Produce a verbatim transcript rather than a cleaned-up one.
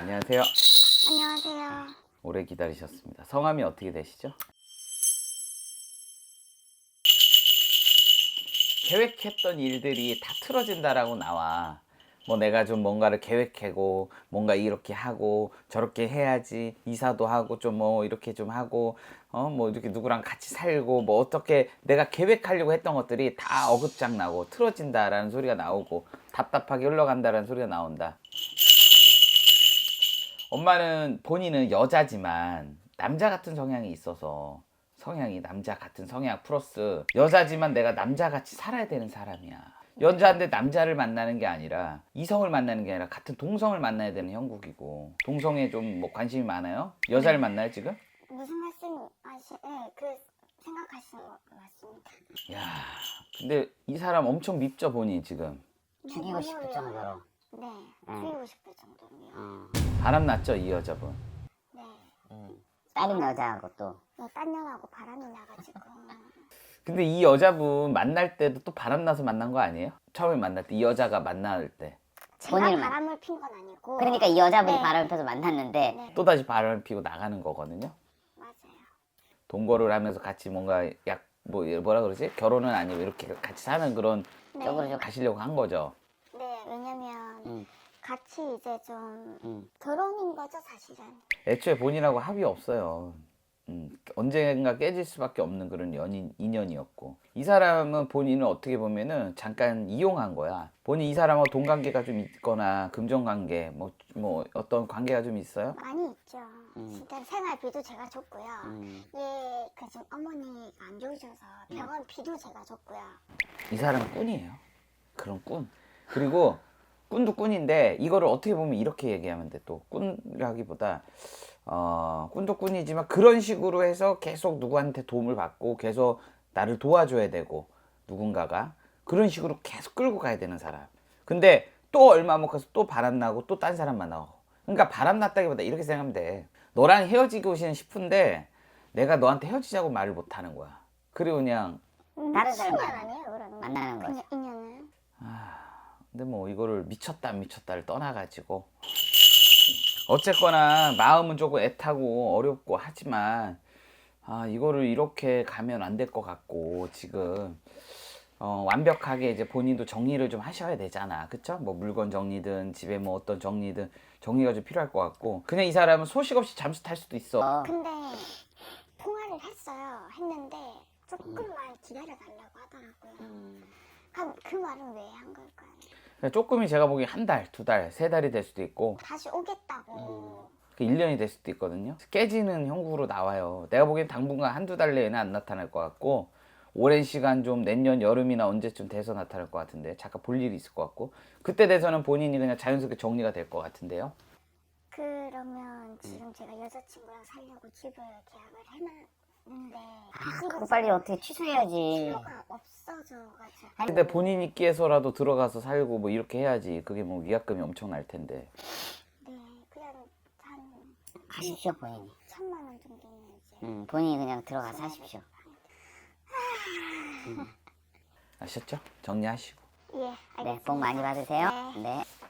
안녕하세요. 안녕하세요. 오래 기다리셨습니다. 성함이 어떻게 되시죠? 계획했던 일들이 다 틀어진다라고 나와. 뭐 내가 좀 뭔가를 계획하고 뭔가 이렇게 하고 저렇게 해야지, 이사도 하고 좀 뭐 이렇게 좀 하고 어 뭐 이렇게 누구랑 같이 살고 뭐 어떻게 내가 계획하려고 했던 것들이 다 어긋장 나고 틀어진다라는 소리가 나오고 답답하게 흘러간다라는 소리가 나온다. 엄마는 본인은 여자지만 남자 같은 성향이 있어서, 성향이 남자 같은 성향 플러스 여자지만 내가 남자같이 살아야 되는 사람이야. 여자인데 남자를 만나는 게 아니라 이성을 만나는 게 아니라 같은 동성을 만나야 되는 형국이고, 동성에 좀 뭐 관심이 많아요? 여자를 만나요 지금? 무슨 말씀 하시? 네, 그 생각하시는 거 맞습니다. 야, 근데 이 사람 엄청 밉죠 본인 지금. 네, 죽이고 너무 싶을 어려워요. 정도로. 네, 죽이고 싶을 정도로요. 어. 바람 났죠 이 여자분. 네, 다른 여자하고 또. 네, 딴 년하고 바람이 나가지고. 근데 이 여자분 만날 때도 또 바람 나서 만난 거 아니에요? 처음에 만날 때 이 여자가 만날 때 제가 본인은 바람을 핀 건 아니고. 그러니까 이 여자분이 네. 바람을 펴서 만났는데 네, 또다시 바람을 피고 나가는 거거든요. 맞아요. 동거를 하면서 같이 뭔가 약 뭐 뭐라 그러지? 결혼은 아니고 이렇게 같이 사는 그런 네, 쪽으로 좀 가시려고 한 거죠. 네, 왜냐면 음. 같이 이제 좀 음. 결혼인 거죠 사실은. 애초에 본인하고 합의 없어요. 음, 언젠가 깨질 수밖에 없는 그런 연인 인연이었고, 이 사람은 본인을 어떻게 보면은 잠깐 이용한 거야. 본인 이 사람하고 돈 관계가 좀 있거나 금전 관계 뭐 뭐 어떤 관계가 좀 있어요? 많이 있죠. 음. 일단 생활비도 제가 줬고요. 음. 예, 그 지금 어머니가 안 좋으셔서 병원 비도 제가 줬고요. 이 사람은 꾼이에요. 그런 꾼. 그리고 꾼도 꾼인데 이거를 어떻게 보면 이렇게 얘기하면 돼. 또 꾼이라기보다 어, 꾼도 꾼이지만 그런 식으로 해서 계속 누구한테 도움을 받고 계속 나를 도와줘야 되고, 누군가가 그런 식으로 계속 끌고 가야 되는 사람. 근데 또 얼마 못 가서 또 바람나고 또 딴 사람 만나고. 그러니까 바람났다기보다 이렇게 생각하면 돼. 너랑 헤어지고 싶은데 내가 너한테 헤어지자고 말을 못 하는 거야. 그리고 그냥 다른 미친년 사람 아니에요 그러면? 만나는 거죠. 그냥 인연은. 근데 뭐 이거를 미쳤다 안 미쳤다를 떠나가지고 어쨌거나 마음은 조금 애타고 어렵고 하지만, 아 이거를 이렇게 가면 안 될 것 같고, 지금 어, 완벽하게 이제 본인도 정리를 좀 하셔야 되잖아, 그쵸? 뭐 물건 정리든 집에 뭐 어떤 정리든 정리가 좀 필요할 것 같고, 그냥 이 사람은 소식 없이 잠수 탈 수도 있어. 어. 근데 통화를 했어요. 했는데 조금만 기다려달라고 하더라고요. 음. 그럼 그 말은 왜 한 걸까요? 조금이 제가 보기엔 한 달, 두 달, 세 달이 될 수도 있고 다시 오겠다고. 그 일 년이 될 수도 있거든요. 깨지는 형국으로 나와요. 내가 보기엔 당분간 한두 달 내에는 안 나타날 것 같고, 오랜 시간 좀 내년 여름이나 언제쯤 돼서 나타날 것 같은데, 잠깐 볼 일이 있을 것 같고, 그때 돼서는 본인이 그냥 자연스럽게 정리가 될 것 같은데요. 그러면 지금 제가 여자친구랑 살려고 집을 계약을 해놨는데 아, 집을 그거 빨리 어떻게 취소해야지. 필요가 없어져가지고. 근데 본인 있기에서라도 들어가서 살고 뭐 이렇게 해야지. 그게 뭐 위약금이 엄청 날 텐데. 네, 그냥 한 가십시오 본인이. 천만 원 정도는 이제. 음, 본인이 그냥 들어가서 하십시오. 아셨죠? 정리하시고. 예, 알겠습니다. 네, 복 많이 받으세요. 네. 네.